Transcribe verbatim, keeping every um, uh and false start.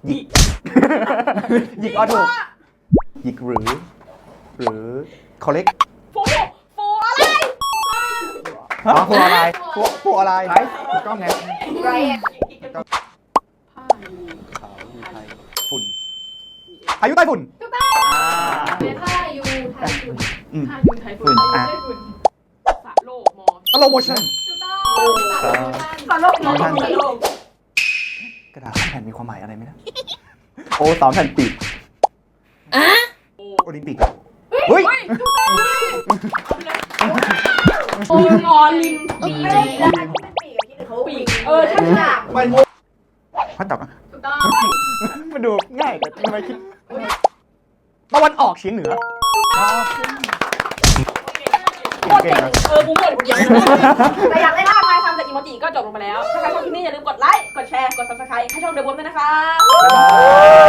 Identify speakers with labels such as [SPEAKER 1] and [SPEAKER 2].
[SPEAKER 1] หยิกหยิกอ๋อถูกหยิกหรือ หรือคอลเลก
[SPEAKER 2] โฟโฟอะไร
[SPEAKER 1] อ๋อโฟอะไรโฟโฟอะไรไรถูกต้องไง
[SPEAKER 2] ไร
[SPEAKER 1] ขาวอยู่ไทยฝุ่นพายุใต้ฝุ่น
[SPEAKER 2] ถูกต้องเป็นท่ายูไทยฝุ่น
[SPEAKER 1] อืม
[SPEAKER 2] ท่ายูไทยฝุ่น
[SPEAKER 1] อ่ะ
[SPEAKER 2] ไทยฝุ่นสะโลกมอ
[SPEAKER 1] สโลโมชั่น
[SPEAKER 2] ถูกต้องสะโลกมอสะโลก
[SPEAKER 1] กระดาษแผ่นมีความหมายอะไรไหมนะโอ้สามแผ่นปีกโอลิมปิกเฮ้ย
[SPEAKER 2] ถูกต้องโอ้ยงอลิมปีปีเออใช่ค่ะ
[SPEAKER 1] พัดตอบ
[SPEAKER 2] ถูกต้อง
[SPEAKER 1] มันดูง่ายแต่ทำไมคิดตะวันออกเฉียงเหนือเก่งนะ
[SPEAKER 2] เออกูหมดคนเดียวแต่อยากได้ท่าทายคำจากอีโมจิก็จบลงไปแล้วถ้าใครชอบคลิปนี้อย่าลืมกดไลค์กดแชร์กด ซับสไครบ์ ให้ช่องเดอะบอมด้วยนะคะ